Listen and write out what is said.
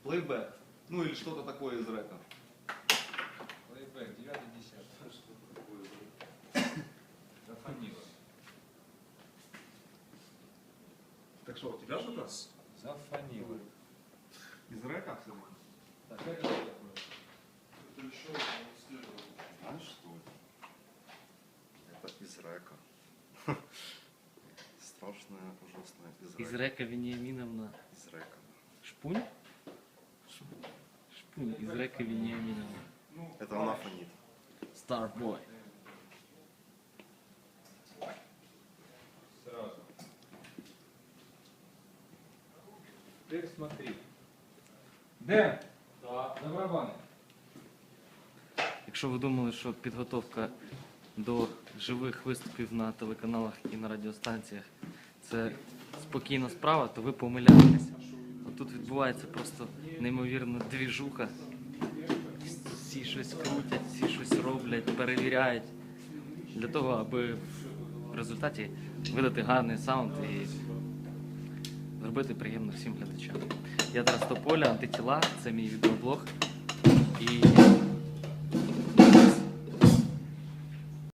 Плейбэк. Ну или что-то такое из рэпа. Плейбэк, 9-10. Зафонило. Так что, у тебя что-то? Зафонило. Из рэпа все? Так, это что такое? Это еще Знаешь что? Это из рэка. Страшная, ужасная Из Река Вениаминовна. Из рэка. Шпунь? Шпунь из Река Вениаминовна. Это она фонит. Starboy. Сразу. Теперь смотри. Дэн! Да. За барабани. Якщо ви думали, що підготовка до живих виступів на телеканалах і на радіостанціях це спокійна справа, то ви помиляєтеся. Тут відбувається просто неймовірна двіжуха. Всі щось крутять, всі щось роблять, перевіряють. Для того, аби в результаті видати гарний саунд і зробити приємно всім глядачам. Я Тарас Тополя, Антитіла, це мій відеоблог. І